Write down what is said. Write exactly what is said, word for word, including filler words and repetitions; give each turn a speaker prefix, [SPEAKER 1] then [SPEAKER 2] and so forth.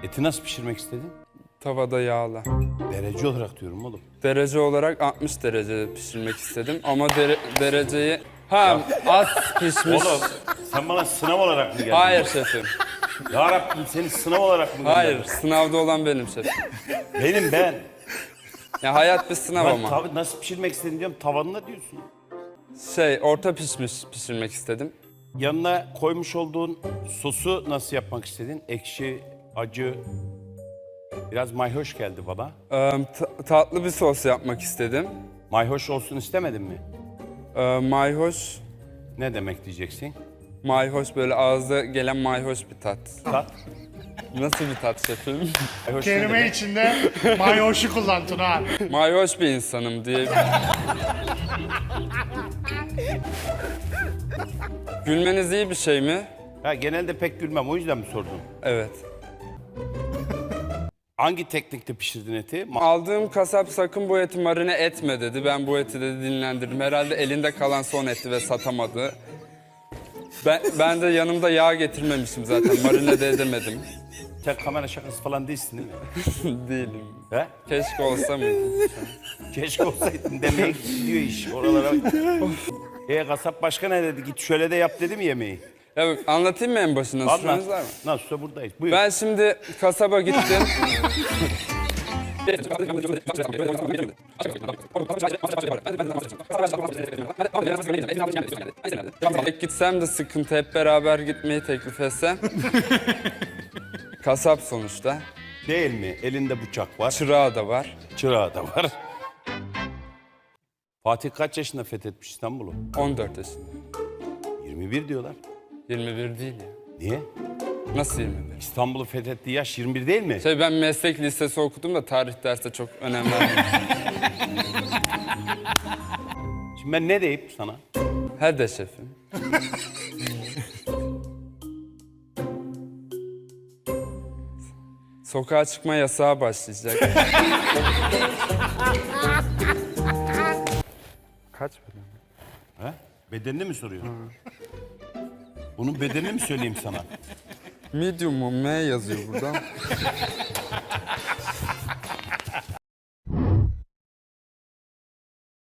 [SPEAKER 1] Eti nasıl pişirmek istedin?
[SPEAKER 2] Tavada yağla.
[SPEAKER 1] Derece olarak diyorum oğlum.
[SPEAKER 2] Derece olarak altmış derecede pişirmek istedim ama dere- dereceyi... Ha az pişmiş.
[SPEAKER 1] Oğlum sen bana sınav olarak mı geldin?
[SPEAKER 2] Hayır şefim.
[SPEAKER 1] Ya Rabbim seni sınav olarak mı
[SPEAKER 2] Hayır,
[SPEAKER 1] gönderdin?
[SPEAKER 2] sınavda olan benim şefim.
[SPEAKER 1] Benim ben.
[SPEAKER 2] Ya hayat bir sınav
[SPEAKER 1] Ben
[SPEAKER 2] ama.
[SPEAKER 1] tabii nasıl pişirmek istedin diyorum tavanına diyorsun.
[SPEAKER 2] Şey, orta pişmiş pişirmek istedim.
[SPEAKER 1] Yanına koymuş olduğun sosu nasıl yapmak istedin? Ekşi, acı, biraz mayhoş geldi bana.
[SPEAKER 2] Ee, ta- tatlı bir sos yapmak istedim.
[SPEAKER 1] Mayhoş olsun istemedin mi?
[SPEAKER 2] Ee, mayhoş,
[SPEAKER 1] Ne demek diyeceksin?
[SPEAKER 2] mayhoş böyle ağızda gelen mayhoş bir tat.
[SPEAKER 1] Tat.
[SPEAKER 2] Nasıl bir tat şefim?
[SPEAKER 1] Mayhoş ne
[SPEAKER 3] Kelime
[SPEAKER 1] demek?
[SPEAKER 3] içinde mayoşu kullan Tuna.
[SPEAKER 2] Mayhoş bir insanım diye. Gülmeniz iyi bir şey mi?
[SPEAKER 1] Ha, genelde pek gülmem o yüzden mi sordun?
[SPEAKER 2] Evet.
[SPEAKER 1] Hangi teknikte pişirdin eti? Ma-
[SPEAKER 2] Aldığım kasap sakın bu eti marine etme dedi. Ben bu eti dedi dinlendirdim. Herhalde elinde kalan son etti ve satamadı. Ben, ben de yanımda yağ getirmemişim zaten. Marine de edemedim.
[SPEAKER 1] Sen kamera şakası falan değilsin değil mi?
[SPEAKER 2] Değilim.
[SPEAKER 1] He?
[SPEAKER 2] Keşke olsa mıydı?
[SPEAKER 1] Keşke olsaydın demeye gidiyor iş oralara. E kasap başka ne dedi? Git şöyle de yap dedi mi yemeği?
[SPEAKER 2] Ya bak, anlatayım mı en başına?
[SPEAKER 1] Anlat.
[SPEAKER 2] Süreniz var mı?
[SPEAKER 1] Nasılsa buradayız. Buyur.
[SPEAKER 2] Ben şimdi kasaba gittim. Tek gitsem de sıkıntı, hep beraber gitmeyi teklif etsem. Kasap sonuçta.
[SPEAKER 1] Değil mi? Elinde bıçak var.
[SPEAKER 2] Çırağı da var.
[SPEAKER 1] Çırağı da var. Fatih kaç yaşında fethetmiş İstanbul'u?
[SPEAKER 2] on dört yaşında.
[SPEAKER 1] yirmi bir diyorlar.
[SPEAKER 2] yirmi bir değil ya.
[SPEAKER 1] Niye?
[SPEAKER 2] Nasıl yirmi bir?
[SPEAKER 1] İstanbul'u fethettiği yaş yirmi bir değil mi?
[SPEAKER 2] Şey, ben meslek lisesi okudum da tarih derste çok önem vermedim.
[SPEAKER 1] Şimdi ben ne deyip sana?
[SPEAKER 2] He de şefim. Sokağa çıkma yasağı başlayacak. Kaç bölüm?
[SPEAKER 1] He? Bedenini mi soruyorsun? Bunun bedenini mi söyleyeyim sana?
[SPEAKER 2] Medium mu? M yazıyor burada.